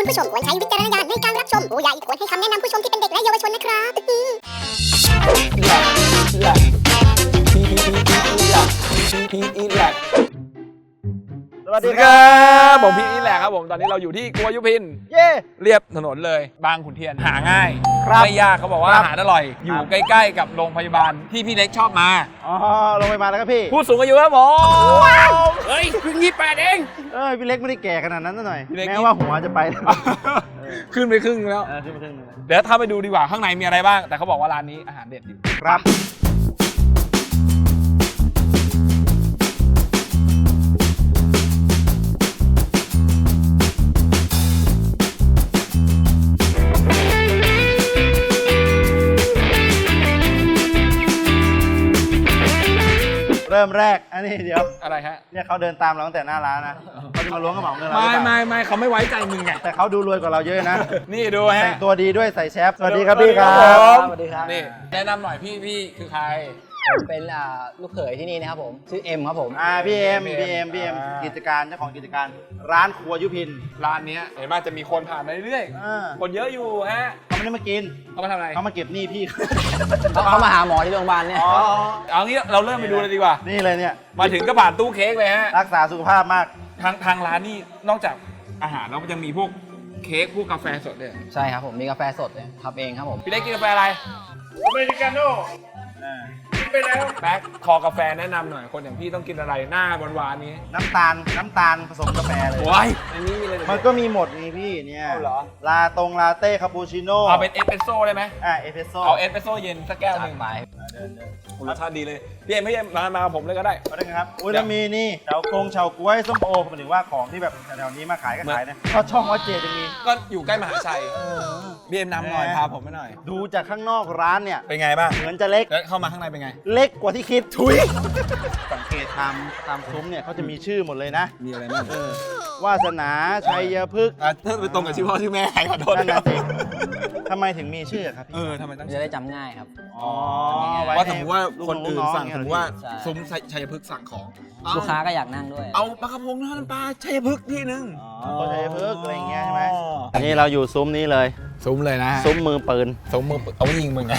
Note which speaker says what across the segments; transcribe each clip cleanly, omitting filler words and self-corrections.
Speaker 1: ผู้ชมควรใช้วิจารณญาณในการรับชมผู้ใหญ่ควรให้คำแนะนำผู้ชมที่เป็นเด็กและเยาวชนนะครับ
Speaker 2: สวัสดีครับผมพีทอีแหละครับผมตอนนี้เราอยู่ที่กัวยุพิน
Speaker 3: เย่
Speaker 2: เรียบถนนเลยบางขุนเทียนหาง่าย
Speaker 3: ครับ
Speaker 2: ไม่ยากเขาบอกว่า
Speaker 3: ครับ
Speaker 2: อาหารอร่อย อยู่ใกล้ๆกับโรงพยาบาลที่พี่เล็กชอบมา
Speaker 3: อ๋อลงไปมาแล้วครับพี่
Speaker 2: ผู้สูงอายุครับผมเฮ้ยเพิ่ง28เอง
Speaker 3: พี่เล็กไม่ได้แก่ขนาดนั้นซะหน่อย
Speaker 2: พี่เล็ก
Speaker 3: แม้ว่าหัวจะไป
Speaker 2: ขึ้นไปครึ่งแล้ว
Speaker 3: ขึ้นมาครึ่งนึง
Speaker 2: เดี๋ยวถ้าไปดูดีกว่าข้างในมีอะไรบ้าง แต่เขาบอกว่าร้านนี้อาหารเด็ดอยู่
Speaker 3: ครับเริ่มแรกอันนี้เดี๋ยว
Speaker 2: อะไรฮะ
Speaker 3: เนี่ยเขาเดินตามเราตั้งแต่หน้าร้านนะเขาจะมาล้วงกระเป๋าเงินเราหรือเปล่า
Speaker 2: ไม่เขาไม่ไว้ใจมึงไง
Speaker 3: แต่เขาดูรวยกว่าเราเยอะนะ
Speaker 2: นี่ดูฮะ
Speaker 3: แต่งตัวดีด้วยใส่แชฟสวัสดีครับพี่ครับ
Speaker 4: สวัสดีครับ
Speaker 2: นี่แนะนำหน่อยพี่คือใคร
Speaker 4: ผมเป็นลูกเขยที่นี่นะครับผม ชื่อเอ็มครับผม
Speaker 3: พี่เอ็มกิจการเจ้าของกิจการร้านครัวยุพิน
Speaker 2: ร้านเนี้ยเห็นว่าจะมีคนผ่านมาเรื่อย
Speaker 3: อ่า
Speaker 2: ๆคนเยอะอยู่ฮะ
Speaker 3: เขาไม่ได้มากิน
Speaker 2: เขามาทำอะไร
Speaker 3: เขามาเก็บหนี้พี่
Speaker 4: เขามาหาหมอที่โรงพยาบาลเนี่ย
Speaker 2: เอางี้เราเริ่มไปดูเลยดีกว่า
Speaker 3: นี่เลยเนี่ย
Speaker 2: มาถึงก็ผ่านตู้เค้กเลยฮะ
Speaker 3: รักษาสุขภาพมาก
Speaker 2: ทางร้านนี่นอกจากอาหารแล้วมันยังมีพวกเค้กพวกกาแฟสดด้วย
Speaker 4: ใช่ครับผม มีกาแฟสดเลยทำเองครับผม
Speaker 2: พี่เล็กกินกาแฟอะไรอเมริกาโน่กินไปแล้วแป๊กคอกาแฟแนะนำหน่อยคนอย่างพี่ต้องกินอะไรหน้าหวานๆนี้
Speaker 3: น้ำตาลผสมกาแฟเลย
Speaker 2: โอ้ยอันนี้มีอะไร
Speaker 3: มันก็มีหมดนี่พี่เนี่ย
Speaker 2: เอาเหรอ
Speaker 3: ลาเต้คาปูชิโน่
Speaker 2: เอาเป็นเอสเปรสโซ่ได้ไหม
Speaker 3: เอสเปรสโซ่
Speaker 2: เอาเอสเปรสโซ่เย็นสักแก้วห
Speaker 4: จั
Speaker 2: นึ่
Speaker 4: ด
Speaker 2: ง
Speaker 4: ไป
Speaker 2: รสชาติดีเลยพี่เอ็มไม่ใช่มากับผมเลยก็ได้
Speaker 3: เอาได้ไงครับอุ้ยแล้วมีนี่เฉาก๊วยส้มโอผมถึงว่าของที่แบบแถวๆนี้มาขายก็ขายนะก็ช่องวัดเจดจะมี
Speaker 2: ก็อยู่ใกล้มหาชัยพี่เอ็มนำหน่อยพาผมไปหน่อย
Speaker 3: ดูจากข้างนอกร้านเนี่ย
Speaker 2: เป็นไงบ้าง
Speaker 3: เหมือนจะเล็ก
Speaker 2: แล้วเข้ามาข้างในเป็นไง
Speaker 3: เล็กกว่าที่คิดทุยสังเกตตามซุ้มเนี่ยเขาจะมีชื่อหมดเลยนะ
Speaker 2: มีอะไรบ้าง
Speaker 3: วาสนาชัยพฤกษ์
Speaker 2: ถ้าไปตรงกับชื่อพ่อชื่อแม่ใครขอโทษ
Speaker 3: นั่นน่ะสิทำไมถึงมีชื่อครับพี่
Speaker 2: ทำไมต้อง
Speaker 4: จะได้จำง่ายครับ
Speaker 3: อ๋อ
Speaker 2: ว่าสมมติว่าคนอื่นสั่ง
Speaker 3: ลูก
Speaker 2: สม
Speaker 3: น้
Speaker 2: ม
Speaker 3: องๆ
Speaker 2: ติว่า
Speaker 4: ใช่
Speaker 2: ซุ้มชัยพฤกษ์สั่งของ
Speaker 4: ลูกค้าก็อยากนั่งด้วย
Speaker 2: เอาปลากระพงทอดน้ำปลาชัยพฤกษ์ที่นึง
Speaker 3: อ๋อชัยพฤกษ์อะไรอย่างเงี้ยใช่ไหมอันนี้เราอยู่ซุ้มนี้เลย
Speaker 2: ซุ้มเลยนะ
Speaker 3: ซุ้มมือปืน
Speaker 2: ซุ้มมือเอาไว้ยิงมึงไง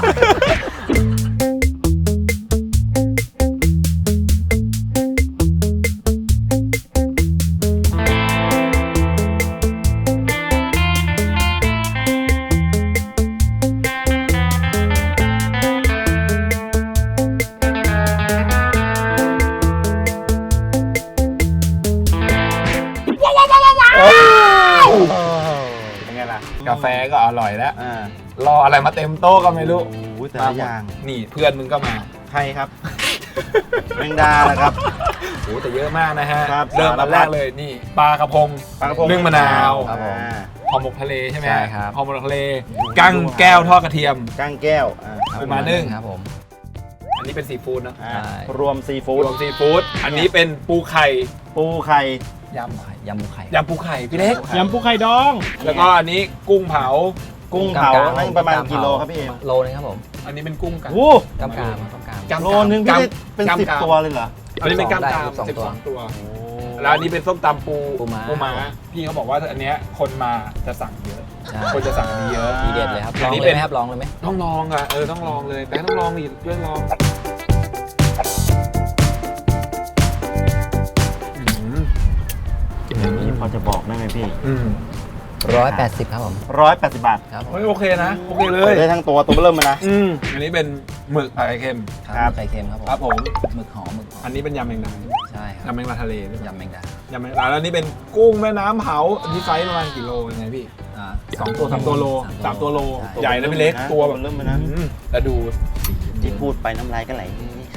Speaker 3: เป็นไงล่ะ
Speaker 2: กาแฟก็อร่อยแล้ว
Speaker 3: อ่าร
Speaker 2: ออะไรมาเต็มโต๊ะก็ไม่รู้
Speaker 3: โอ้ยแต่ละอย่าง
Speaker 2: นี่เพื่อนมึงก็มา
Speaker 3: ใครครับ แมงดาแหละครับ
Speaker 2: โอ้แต่เยอะมากนะฮะ
Speaker 3: ครับ
Speaker 2: เริ่มมาแรกเลยนี่ปลากระพง
Speaker 3: ปลากระพง
Speaker 2: นึ่งมะนาว
Speaker 3: ครับผม
Speaker 2: ห่อหมกทะเลใช่ไหม
Speaker 4: ใช่ครับ
Speaker 2: ห่อหมกทะเลกั้งแก้วทอดกระเทียม
Speaker 3: ก้างแก้วครับ
Speaker 2: เป็นมานึ่ง
Speaker 4: ครับผม
Speaker 2: อันนี้เป็นซีฟู้ดเนอะ
Speaker 3: อ่า
Speaker 4: ใช่
Speaker 3: รวมซีฟู้
Speaker 2: ร
Speaker 3: ด
Speaker 2: วมซีฟู้ดอันนี้เป็นปูไข่
Speaker 3: ปูไข่
Speaker 4: ยำหมูไข่
Speaker 2: ยำปูไข่พี่เล็ก
Speaker 3: ยำปูไข่ดอง
Speaker 2: แล้วก็อันนี้กุ้งเผา
Speaker 3: กุ้งเผานั่นประมาณกี่โลครับพี่เอ็ม
Speaker 4: โลนึงครับผม
Speaker 2: อันนี้เป็นกุ้งกัน
Speaker 3: โอ้
Speaker 4: กำกามครับกำกาม
Speaker 2: กำ
Speaker 3: โลนึงพี่ได้เป็น
Speaker 2: กำ
Speaker 3: 10 ตัวเลยเหรอ
Speaker 2: อันนี้เป็นกล้าม
Speaker 4: ได้
Speaker 2: กราม
Speaker 4: 12
Speaker 2: 12 ตัว แล้วอันนี้เป็นส้มตำปู
Speaker 4: ปูม้า
Speaker 2: พี่เขาบอกว่าอันเนี้ยคนมาจะสั่งเยอะ
Speaker 4: ใช่
Speaker 2: คนจะสั่งอันนี้เยอะ
Speaker 4: ทีเด็ดเลยครับ ล
Speaker 2: อั
Speaker 4: อน ง
Speaker 2: นี้
Speaker 4: เล
Speaker 2: เป็
Speaker 4: ย
Speaker 2: น
Speaker 4: ไหมครับลองเลยไหม
Speaker 2: ต้องลองอ่ะต้องลองเลยแต่ต้องลองอีกด้วยลองอืม
Speaker 3: นี่พอจะบอกได้ไหมพี่
Speaker 2: อืม
Speaker 4: 180ครับผม
Speaker 3: 180 บาท
Speaker 4: ครับผม
Speaker 2: เฮ้ยโอเคนะโอเคเลย
Speaker 3: ได้ทั้งตัวเริ่มมานะ
Speaker 2: อันนี้เป็นหมึกผัดไข่เค็ม
Speaker 3: ครับ
Speaker 4: ไข่เค็มครับผม
Speaker 2: ครับผม
Speaker 4: หมึกหอม
Speaker 2: อันนี้เป็นยำแมงดา
Speaker 4: ใช่ครับ
Speaker 2: ยำแมงดาทะเลด้วย
Speaker 4: ยำแมงดาย
Speaker 2: ำแมงดาแล้วอันนี้เป็นกุ้งแม่น้ำเผาอันนี้ไซส์ประมาณกี่โลยังไงพี่ 2 ตัว3 ตัวโล3 ตัวโล ใหญ่นะพี่เล็กตัวแบบ
Speaker 3: เริ่มมานะ
Speaker 2: แล้วดู
Speaker 3: ที่พูดไปน้ำลายก็ไหล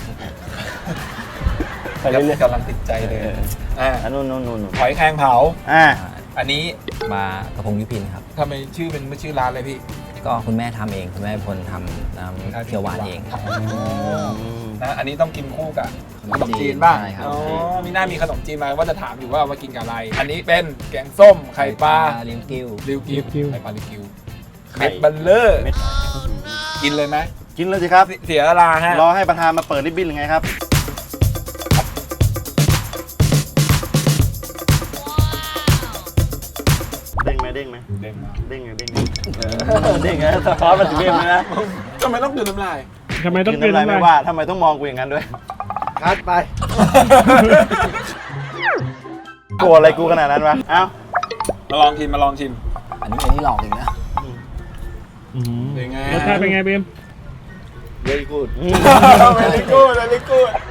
Speaker 2: ไปเรื่อยๆกำลังติดใจเลย
Speaker 3: นู่น
Speaker 2: หอยแครงเผา อันนี้
Speaker 4: มากระพงยุพินครับ
Speaker 2: ทำไมชื่อเป็นไม่ชื่อร้านเลยพี่
Speaker 4: ก็คุณแม่ทำเองคุณแม่เป็นคนทำน้ำเขียวหวานเอง
Speaker 2: นะอันนี้ต้องกินคู่กับข
Speaker 4: ข
Speaker 2: น
Speaker 4: น
Speaker 2: ม
Speaker 4: มจี
Speaker 2: จีน
Speaker 4: น
Speaker 2: บ้าง
Speaker 4: ใช่ครับ
Speaker 2: อ๋อมีหน้ามีขนมจีนมาว่าจะถามอยู่ว่าเอามากินกับอะไร อันนี้เป็นแกงส้มไข่ปลา
Speaker 4: ลิ้นกิ้ว
Speaker 2: ริวกิวไข่ปลาริวกิว
Speaker 3: ไข่
Speaker 2: เม็ดบัลเลอร์
Speaker 3: เม็ด
Speaker 2: กินเลยไหม
Speaker 3: กินเลยสิครับ
Speaker 2: เสียเวลาฮะ
Speaker 3: รอให้ประธานมาเปิดริบบิ้นหรือไงครับ เด้งไหมนี่ไงสะท้อนมาถึงเรื่องเลยนะ
Speaker 2: ทำไมต้องกลืนน้ำลาย
Speaker 5: ทำไมต้อง
Speaker 3: กิน
Speaker 5: กิน
Speaker 3: น้ำลาย
Speaker 5: น้ำ
Speaker 3: ไม่
Speaker 5: ลาย
Speaker 3: ว่าทำไมต้องมองกูอย่างนั้นด้วยคัดไปกลัวอะไรกูขนาดนั้นวะเอ้า
Speaker 2: มาลองชิมมาลองชิม
Speaker 4: อันนี้หลอกอีกนะ
Speaker 2: เป็นไง
Speaker 5: รสชาติเป็นไงเบม
Speaker 3: very good
Speaker 2: เวลิกูดเวลิกูด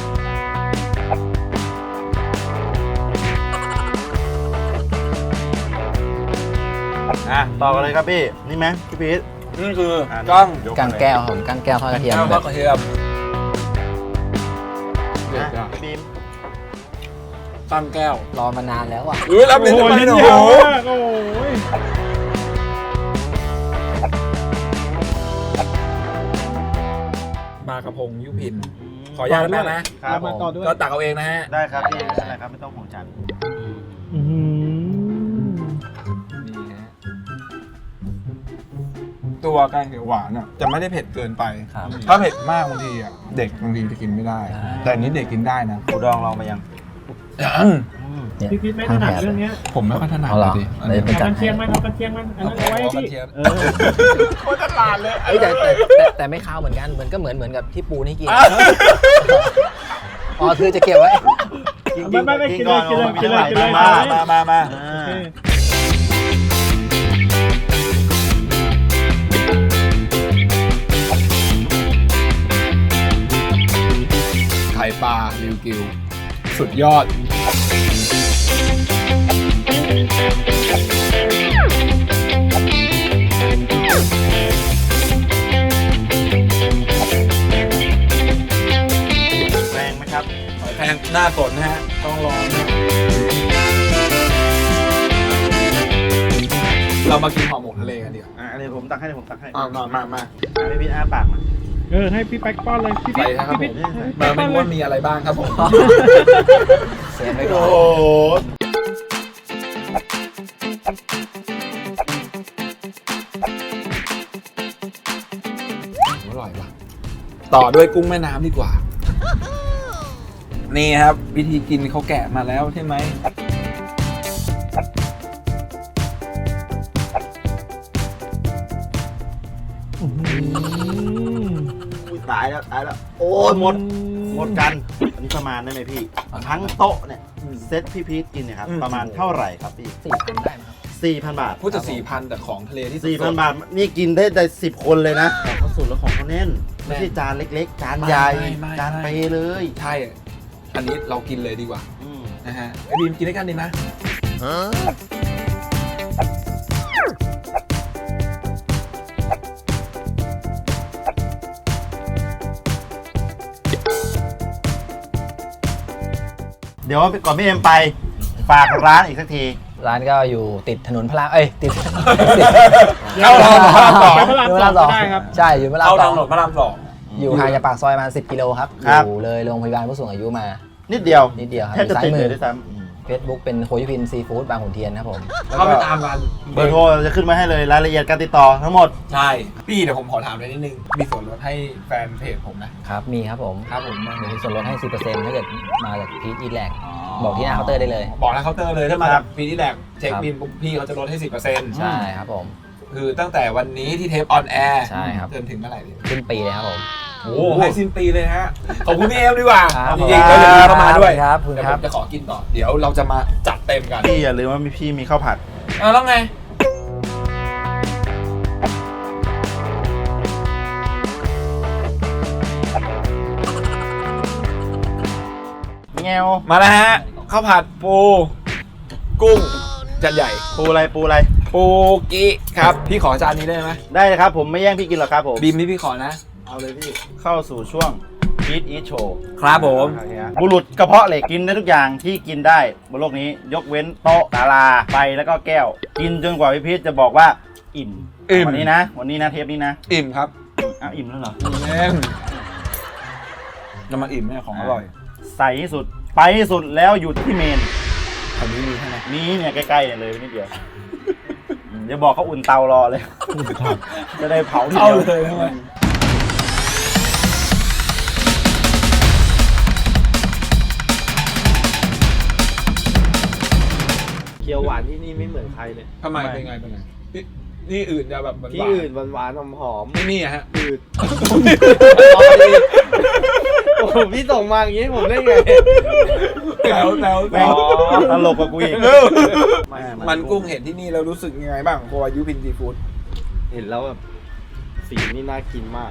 Speaker 3: ต่อกันเลยครับพี่นี่ไหมพี่พีท
Speaker 2: นี่คือกั้ง
Speaker 4: กั้งแก้วครับผมกั้งแก้วทอดกระเทียม
Speaker 2: แก้ว
Speaker 4: แบ
Speaker 2: ทอบ ดกระเทียมเด็ด
Speaker 3: นะ
Speaker 2: อะ
Speaker 3: พี่บีม
Speaker 2: กั้งแก้ว
Speaker 4: รอมานานแล้วอ่ะ
Speaker 2: รับ
Speaker 5: โอ้
Speaker 2: ลิ้น
Speaker 5: โห
Speaker 2: ทำไม
Speaker 5: ลิ้น
Speaker 2: เนี่ย
Speaker 5: ยาว
Speaker 2: โอ้โห
Speaker 5: มากโอ้ย
Speaker 2: ปลากระพงยุพิน ขออนุญาตได้ไหมนะครับ
Speaker 5: มาต่อด้วย
Speaker 2: ก็ตักเอาเองนะฮะ
Speaker 3: ได้ครับพี่ไม่เป็นไรครับไม่ต้องห่วงฉัน
Speaker 5: อื้อหือ
Speaker 2: นี่ฮะตัวแกงเขียวหวานอ่ะจะไม่ได้เผ็ดเกินไป
Speaker 4: ครับ
Speaker 2: ถ้าเผ็ดมากบางทีอ่ะเด็กบางทีจะกินไม่ได้ แต่อันนี้เด็กกินได้นะ
Speaker 3: กูดองลองไปยัง
Speaker 2: ยัง
Speaker 4: เนี่ย
Speaker 5: พี่พีทไม่ถนัดเรื่องเนี้ย
Speaker 2: ผมไม่ค่อยถนัด
Speaker 4: เอาเหรอ
Speaker 2: เลยดิ
Speaker 4: เดี๋ยวไป
Speaker 5: เอา
Speaker 4: จัด
Speaker 5: กันเชี
Speaker 4: ให้
Speaker 5: ยงมันเอากันเชียงมันอันนั้นเอาไว้ให้พี่เออ
Speaker 2: โคตรตลาดเลย
Speaker 4: เอ้ยแต่ไม่ข้าวเหมือนกันเหมือนก็เหมือนกับที่ปูนี่กินอ๋อคือจะเก็บไว้
Speaker 5: ไม่กินเลยกินเลยกินเลยกินเลย
Speaker 2: มา
Speaker 5: โอเค
Speaker 2: ไข่ปลาริวกิว สุดยอด
Speaker 3: แรงไหมครับ
Speaker 2: แพงหน้าสนนะฮะ ต้องลองนะเรามากินห่อหมกทะเลกันดีกว่า
Speaker 3: อันนี้ผมตักให้ผมตักให้
Speaker 2: มา
Speaker 3: พี่พีทอ้าปากมา
Speaker 5: ให้พี่แป๊กป้อนเลยพี่พี
Speaker 2: ใส่
Speaker 5: ท
Speaker 2: นะครับผ
Speaker 5: พี่
Speaker 2: ม
Speaker 5: พีท
Speaker 2: มาไม่รู้ว่ามีอะไรบ้างครับผม
Speaker 4: เสียไปก่อน
Speaker 3: โอ้โห
Speaker 2: อร่อยว่ะต่อด้วยกุ้งแม่น้ำดีกว่า นี่ครับ วิธีกินเขาแกะมาแล้วใช่ไหม
Speaker 3: อุ๊ยตายแล้วโอ้ยหมดกันอันนี้ประมาณได้ไหมพี่ทั้งโต๊ะเนี่ยเซตพี่พีทกินเนี่ยครับประมาณเท่าไหร่ครับพี่
Speaker 4: 4,000ได้ไหมครับ
Speaker 3: 4,000 บาท
Speaker 2: พูดจะ4,000แต่ของทะเลที่สด
Speaker 3: 4,000 บาทนี่กินได้10 คนเลยนะเขาสูตรแล้วของเขาแน่นไม่ใช่จานเล็กๆ จานใหญ่จานเปเลย
Speaker 2: ใช่ อันนี้เรากินเลยดีกว่า
Speaker 3: อืม
Speaker 2: นะฮะไอ้บีมกินด้วยกันดีนะ
Speaker 3: เดี๋ยวก่อนพี่เอ็มไปฝากร้านอีกสักที
Speaker 4: ร้านก็อยู่ติดถนนพระรามติด
Speaker 2: เข้าทางพระรามสอง
Speaker 5: ไปพระราม
Speaker 4: อยู่
Speaker 5: ส
Speaker 4: พ
Speaker 5: อ
Speaker 4: ระราง มสอง
Speaker 5: ก็ได้ครับ
Speaker 4: ใช่อยู่พระราม
Speaker 2: เข้า
Speaker 4: ส
Speaker 2: ทา
Speaker 4: อง ง
Speaker 2: ถนนพระรามสอง
Speaker 4: อยู่ห่างจากปากซอยประมาณ10 กิโลครับ
Speaker 3: ครับ
Speaker 4: อยู่เลยโรงพยาบาลผู้สูงอายุมา
Speaker 3: นิดเดียว
Speaker 4: นิดเดียวครับ
Speaker 3: แทบจะ
Speaker 4: ซ้า
Speaker 3: ติ
Speaker 4: ย
Speaker 3: ด
Speaker 4: มื
Speaker 3: เล
Speaker 4: อย
Speaker 3: ด้วยซ้
Speaker 4: เฟซบุ๊กเป็นโคยุพินซีฟู้ดบางขุนเทียนครับผม
Speaker 3: ำ
Speaker 2: เข้าไปตามกัน
Speaker 3: เบอร์โทรจะขึ้นมาให้เลยรายละเอียดการติดต่อทั้งหมด
Speaker 2: ใช่ พี่เดี๋ยวผมขอถามเลยนิดนึง มีส่วนลดให้แฟนเพจผมนะครับ
Speaker 4: มีครับผม
Speaker 2: ครับผม
Speaker 4: เดี๋ยวมีส่วนลดให้ 10%ถ้าเกิดมาจากพีทอีแลกบอกที่หน้าเคาน์เตอร์ได้เลย
Speaker 2: บอกแล้วเคาน์เตอร์เลยถ้ามา
Speaker 3: ครับ
Speaker 2: ปีที่แรกเช็ค
Speaker 4: ครับ
Speaker 2: บินปุ๊บพี่เขาจะลดให้ 10%
Speaker 4: ใช่ครับผม
Speaker 2: คือตั้งแต่วันนี้ที่เทปออนแอร์
Speaker 4: ใช่ครับ
Speaker 2: จนถึงเมื่อไหร่เนี่ย
Speaker 4: สิ้นปีเลยครับผม
Speaker 2: โอ้โหให้สิ้นปีเลยฮะ ขอบคุณพี่เอมดีกว่า
Speaker 4: ครับ
Speaker 2: จริงๆแล้วเดี๋ยวพี่เข้ามาด้วย
Speaker 4: ครับ
Speaker 2: เดี๋ยว
Speaker 4: ค
Speaker 2: ผ
Speaker 4: รับ
Speaker 2: มจะขอกินต่อ เดี๋ยวเราจะมาจัดเต็มกัน
Speaker 3: พี่อย่าลืมว่าพี่มีข้าวผัด
Speaker 2: แล้วไง
Speaker 3: แงว
Speaker 2: มาแล้วฮะข้าวผัดปูกุ้งจานใหญ่
Speaker 3: ปูอะไร
Speaker 2: ปูกิครับ พี่ขอจานนี้ได้ไหม
Speaker 3: ได้เลยครับผมไม่แย่งพี่กินหรอกครับผม
Speaker 2: บีมนี่พี่ขอนะ
Speaker 3: เอาเลยพี่เข้าสู่ช่วง Eat Eat Show
Speaker 2: ครับผม
Speaker 3: บุรุษกระเพาะเหล็กกินได้ทุกอย่างที่กินได้บนโลกนี้ยกเว้นโต๊ะศาลาไฟแล้วก็แก้ว กินจนกว่าพี่พีชจะบอกว่าอิ่ม วันนี้นะเทปนี้นะ
Speaker 2: อิ่มครับ
Speaker 3: อ้าวอิ่มแล้วเหรอ
Speaker 2: แม่งจะมาอิ่มแม่ของอร่อย
Speaker 3: ใส่ที่สุดไปที่สุดแล้วอยู่ที่เมน
Speaker 2: แถวนี้มีใช่ไหม
Speaker 3: นี้เนี่ยใกล้ๆเนี่ยเลยนิดเดียวเดี๋ยวบอกเขาอุ่นเตารอเลย จะได้เผาที
Speaker 2: เอา
Speaker 3: เดียว
Speaker 2: เลยใช่ไหม
Speaker 3: เคียวหวานที่นี่ไม่เหมือนใครเลย
Speaker 2: ทำไมเป็นไงที่อื่นจะแบบหวาน
Speaker 6: ที่อื่นหวานๆหอม
Speaker 2: ไม่นี่อะฮะ
Speaker 6: ๆอืดโอ้โหพี่ส่งมาอย่างงี้ผมได้ไง
Speaker 2: แล้ว
Speaker 3: แม่งตลกกับกูอีก
Speaker 2: มันกุ้งเห็นที่นี่แล้วรู้สึกยังไงบ้างโคอายุพินซีฟู้ด
Speaker 6: เห็นแล้วแบบสีนี่น่ากินมาก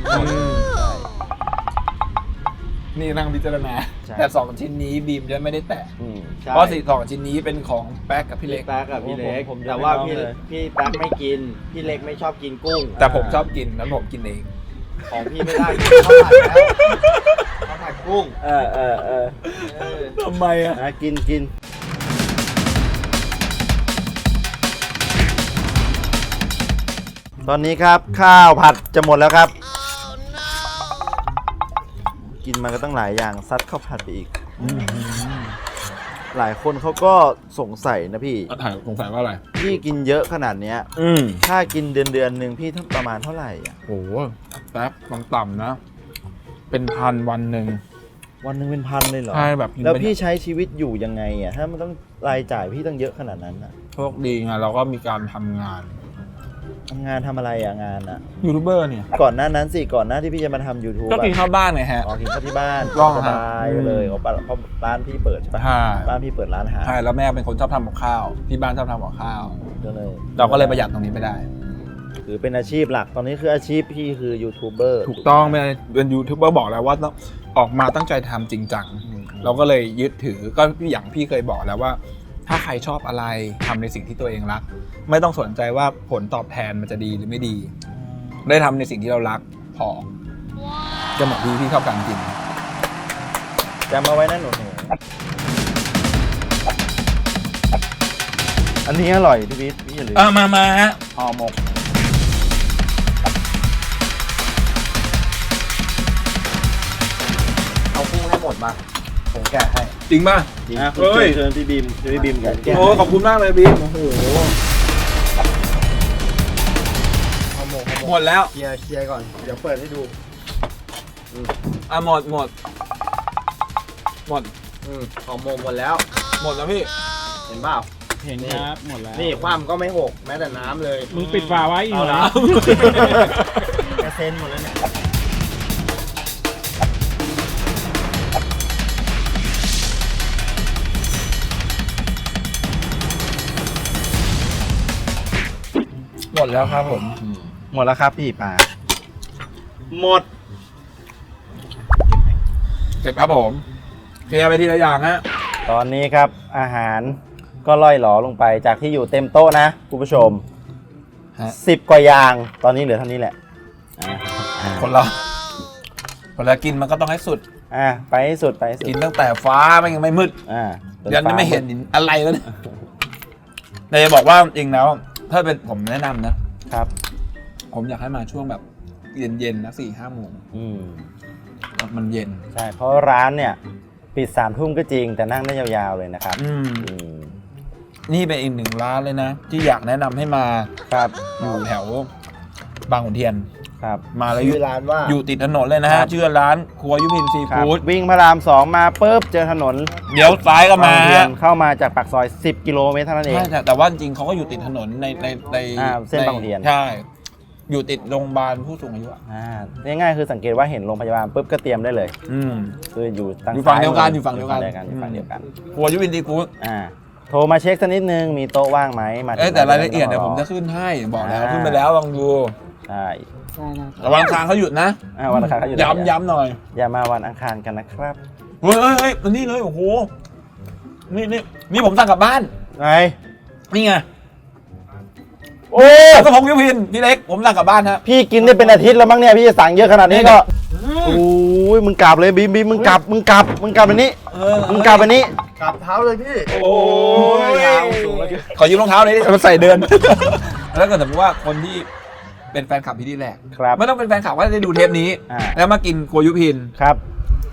Speaker 2: นี่นั่งพิจารณา
Speaker 3: ใช่
Speaker 2: แต่2ชิ้นนี้บีมจะไม่ได้แตะ
Speaker 6: ใช่
Speaker 2: เพราะสองชิ้นนี้เป็นของแป๊กกับพี่
Speaker 6: พี่
Speaker 2: เล็
Speaker 6: เล็
Speaker 2: ก
Speaker 6: กแป๊กกับพี่เล็ก
Speaker 3: ผมจะ
Speaker 6: แต่ว่า
Speaker 3: ไม่ลองเลย
Speaker 6: พี่แป๊กไม่กิน พี่เล็กไม่ชอบกินกุ้ง
Speaker 2: แต่ผมชอบกินนั้นผมกินเอง
Speaker 6: ของพี่ไม่ได้ข้าวผัดแล้วข้าวผัดกุ้ง
Speaker 3: เออ
Speaker 2: ทำไมอ่ะ
Speaker 3: กิน ตอนนี้ครับข้าวผัดจะหมดแล้วครับ กินมาก็ตั้งหลายอย่างซัดข้าวผัดไปอีก หลายคนเขาก็สงสัยนะพี่
Speaker 2: ถ่ายสงสัยว่าอะไร
Speaker 3: พี่กินเยอะขนาดเนี้ยถ้ากินเดือนหนึ่งพี่ประมาณเท่าไหร่อ่ะ
Speaker 2: โอ้โหแป๊บต่ำๆนะ เป็นพันวันหนึ่ง
Speaker 3: วันหนึ่งเป็นพันเลยเหรอ
Speaker 2: ใช่แบบ
Speaker 3: แล้วพี่ใช้ชีวิตอยู่ยังไงอ่ะถ้ามันต้องรายจ่ายพี่ต้องเยอะขนาดนั้นอ่ะ
Speaker 2: โชคดีไงเราก็มีการทำงาน
Speaker 3: ทำงานทำอะไรอ่ะงานอ่ะ
Speaker 2: ยูทูบเบอร์เนี่ย
Speaker 3: ก่อนหน้านั้นสิก่อนหน้าที่พี่จะมาทำ YouTube
Speaker 2: ก็กินข้าวบ้านไงฮะ
Speaker 3: อ๋อกินข้าวที่บ้าน
Speaker 2: ต้อง
Speaker 3: ส
Speaker 2: ฮะ
Speaker 3: บายไปเลยเพราะร้านพี่เปิดใช่ปะ
Speaker 2: ใช่
Speaker 3: ร้านพี่เปิดร้านอาหาร
Speaker 2: ใช่แล้วแม่เป็นคนชอบทำกับข้าว ที่บ้านชอบทำกับข้าว
Speaker 3: ก็เลย
Speaker 2: เราก็เลยประหยัดตรงนี้ไม่ได้
Speaker 3: ถือเป็นอาชีพหลักตอนนี้คืออาชีพพี่คือยูทูบเบอร์
Speaker 2: ถูกต้องเป็นยูทูบเบอร์บอกแล้วว่าต้องออกมาตั้งใจทำจริงจัง เราก็เลยยึดถือก็อย่างพี่เคยบอกแล้วว่า ถ้าใครชอบอะไรทำในสิ่งที่ตัวเองรัก ไม่ต้องสนใจว่าผลตอบแทนมันจะดีหรือไม่ดี ได้ทำในสิ่งที่เรารักพอจะเหมาะพี่ชอบการกิน
Speaker 3: จำเอาไว้นะหนูอันนี้อร่อยพี่วิทย์พี่อย่าลืม
Speaker 2: มาฮะ
Speaker 3: ห่อหมกเอากุ้งให้หมดมาผมแกะให้
Speaker 2: จริงป่ะ
Speaker 3: นะคุณ
Speaker 2: เฮ้ย
Speaker 3: เชิญพี่บีมแกะ
Speaker 2: โอ้ขอบคุณมากเลยบีมโอ้โหหมดแล้ว
Speaker 6: เคลียร์ก่อน เดี๋ยวเปิดให้ดู
Speaker 2: หมดหมด
Speaker 6: หอมโมงหมดแล้ว
Speaker 2: หมดแล้วพี่
Speaker 6: เห็นเปล่า
Speaker 5: เห็นครับหมดแล้ว
Speaker 6: นี่ความก็ไม่หกแม้แต่น้ำเลย
Speaker 5: มึงปิดฝาไว้อีกเหรอ
Speaker 3: กระเซ็นหมดแล้วเนี่ย
Speaker 2: หมดแล้วครับผม
Speaker 3: หมดแล้วครับพี่ปลาหมด
Speaker 2: เสร็จครับผมเคลียร์ไปทีละอย่างฮะ
Speaker 3: ตอนนี้ครับอาหารก็ล่อยหลอลงไปจากที่อยู่เต็มโต๊ะนะคุณผู้ชม
Speaker 2: ฮะ
Speaker 3: 10 กว่าอย่างตอนนี้เหลือเท่านี้แหละ
Speaker 2: คนเรากินมันก็ต้องให้สุด
Speaker 3: ไปให้สุดไปให้สุด
Speaker 2: กินตั้งแต่ฟ้ามันยังไม่มืด ยันไม่เห็นอะไรแล้วเนี่ยแต่จะบอกว่าจริงแล้วถ้าเป็นผมแนะนำนะครับ ผมอยากให้มาช่วงแบบเย็นๆนะ4-5 โมงมันเย็น
Speaker 3: ใช่เพราะร้านเนี่ยปิด3 ทุ่มก็จริงแต่นั่งได้ยาวๆเลยนะครับ
Speaker 2: นี่เป็นอีก1 ร้านเลยนะ ที่อยากแนะนำให้มา
Speaker 3: ครับ
Speaker 2: อยู่แถวบางขุนเทียน
Speaker 3: ครับ
Speaker 2: มาแล้ว
Speaker 6: ชื่อร้านว่า
Speaker 2: อยู่ติดถนนเลยนะฮะชื่อร้านครัวยุพินซี
Speaker 3: ครับ
Speaker 2: ฟู้ด
Speaker 3: วิ่งพระราม 2 มาปุ๊บเจอถนน
Speaker 2: เดี๋ยวซ้ายก็มา
Speaker 3: บางเทียนเข้ามาจากปากซอย 10 กิโลเมตรเท่านั้นเอง
Speaker 2: ใช่แต่ว่าจริงๆเขาก็อยู่ติดถนนใน
Speaker 3: เส้นบางขุนเทียน
Speaker 2: ใช่ อยู่ติดโรงพยาบาลผู้สูงอายุอะ
Speaker 3: ง่ายๆคือสังเกตว่าเห็นโรงพยาบาลปุ๊บก็เตรียมได้เลย คืออยู่ทาง
Speaker 2: อยู่ฝั่งเดียวกัน
Speaker 3: ซ้า
Speaker 2: อยู่ฝั่งเดียวกัน
Speaker 3: อยู่ฝั่งเดียวกัน
Speaker 2: ครัวยุพินซีฟู้ด
Speaker 3: โทรมาเช็คสักนิดนึงมีโต๊ะว่างไหมมาถึง
Speaker 2: แต่รายละเอียดเดี๋ยวผมจะขึ้นให้บอกแล้วขึ้นไปแล้วลองดู
Speaker 3: ใช่
Speaker 2: แต่วันอังคารเขาหยุดนะ
Speaker 3: วันอังคารเขาอยู่
Speaker 2: ย้ำหน่อย
Speaker 3: อย่ามาวันอังคารกันนะครับ
Speaker 2: เฮ้ยนี่เลยโอ้โหนี่ผมสั่งกลับบ้าน
Speaker 3: ไง
Speaker 2: นี่ไง
Speaker 3: โอ้
Speaker 2: กระพงยุพินพี่เล็กผมสั่งกลับบ้านฮะ
Speaker 3: พี่กินได้เป็นอาทิตย์แล้วมั้งเนี่ยพี่จะสั่งเยอะขนาดนี้ก็โอ้ยมึงกลับเลยบีมมึงกลับอันนี้มึงกลับอันนี้
Speaker 6: กลับเท้าเลยพี่
Speaker 2: โอ้ยขอยืมรองเท้าหน่อยดิมันใส่เดิน แล้วก็สมมติว่าคนที่เป็นแฟนคลับพี่ที่แรก
Speaker 3: ครับ
Speaker 2: ไม่ต้องเป็นแฟนคลับว่าได้ดูเทปนี้
Speaker 3: อ่า
Speaker 2: แล้วมากินครัวยุพิน
Speaker 3: ครับ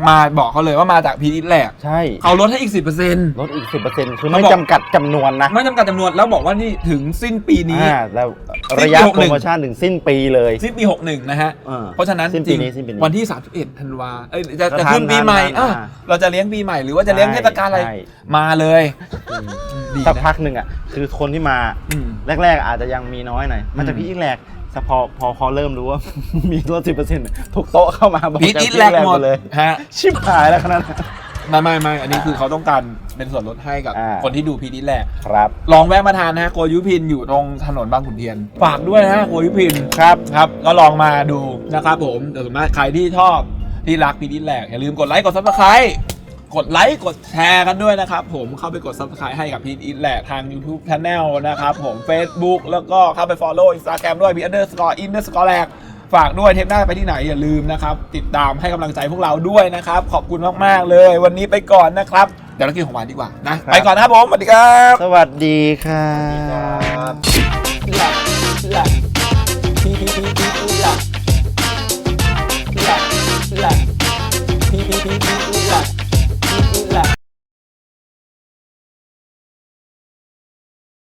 Speaker 2: มาบอกเขาเลยว่ามาจากพีทแหละ
Speaker 3: ใช่
Speaker 2: เขาลดให้อีก 10%
Speaker 3: ลดอีก 10%คือไม่จำกัดจำนวนนะ
Speaker 2: ไม่จำกัดจำนวนแล้วบอกว่านี่ถึงสิ้นปีนี้
Speaker 3: แล้ว
Speaker 2: สิ้นปี
Speaker 3: ระยะ
Speaker 2: 61
Speaker 3: โปรโมชั่นถึงสิ้นปีเลย
Speaker 2: สิ้นปี 61 นะฮะ
Speaker 3: อ่า
Speaker 2: เพราะฉะนั้น
Speaker 3: สิ้น
Speaker 2: จ
Speaker 3: ปี
Speaker 2: ริง
Speaker 3: นี้สิ้นปีนี้
Speaker 2: วันที่ 31 ธันวาจะ
Speaker 3: ก็
Speaker 2: ขึ้นปีใหม่
Speaker 3: ทัน
Speaker 2: เราจะเลี้ยงปีใหม่หรือว่าจะเลี้ยงเทศกาลอะไร
Speaker 3: ใช่
Speaker 2: มาเลย ดี
Speaker 3: สัก
Speaker 2: นะ
Speaker 3: พักหนึ่งอ่ะคือคนที่มา
Speaker 2: อืม
Speaker 3: แรกๆอาจจะยังมีน้อยหน่อยมันจะพีอีกแรกแต่พอเริ่มรู้ว่า มีลด 10%ทุกโต๊ะเข้ามาบอก
Speaker 2: พีท
Speaker 3: จะ
Speaker 2: อีทแลกหมด
Speaker 3: เลย
Speaker 2: ฮะ
Speaker 3: ชิบหายแล้วขนาดนั้น
Speaker 2: ไม่อันนี้คือเขาต้องการเป็นส่วนลดให้กับ
Speaker 3: อ่า
Speaker 2: คนที่ดูพีทอีทแลก
Speaker 3: ครับ
Speaker 2: ลองแวะมาทานนะฮะโกยุพินอยู่ตรงถนนบางขุนเทียน ฝากด้วยนะฮะโกยุพินครับก็ลองมาดูนะครับผมแต่ส่วนมากใครที่ชอบที่รักพีทอีทแลกอย่าลืมกดไลค์กดซับสไครต์กดไลค์กดแชร์กันด้วยนะครับผมเข้าไปกด Subscribe ให้กับพีทอีทแลกทาง YouTube Channel นะครับผม Facebook แล้วก็เข้าไป Follow Instagram ด้วย ____ แลกฝากด้วยเทปหน้าไปที่ไหนอย่าลืมนะครับติดตามให้กำลังใจพวกเราด้วยนะครับขอบคุณมากๆเลยวันนี้ไปก่อนนะครับเดี๋ยวเรากินของหวานดีกว่านะไปก่อนนะครับผมสวัสดีครับ
Speaker 3: สวัสดีครับ
Speaker 2: พี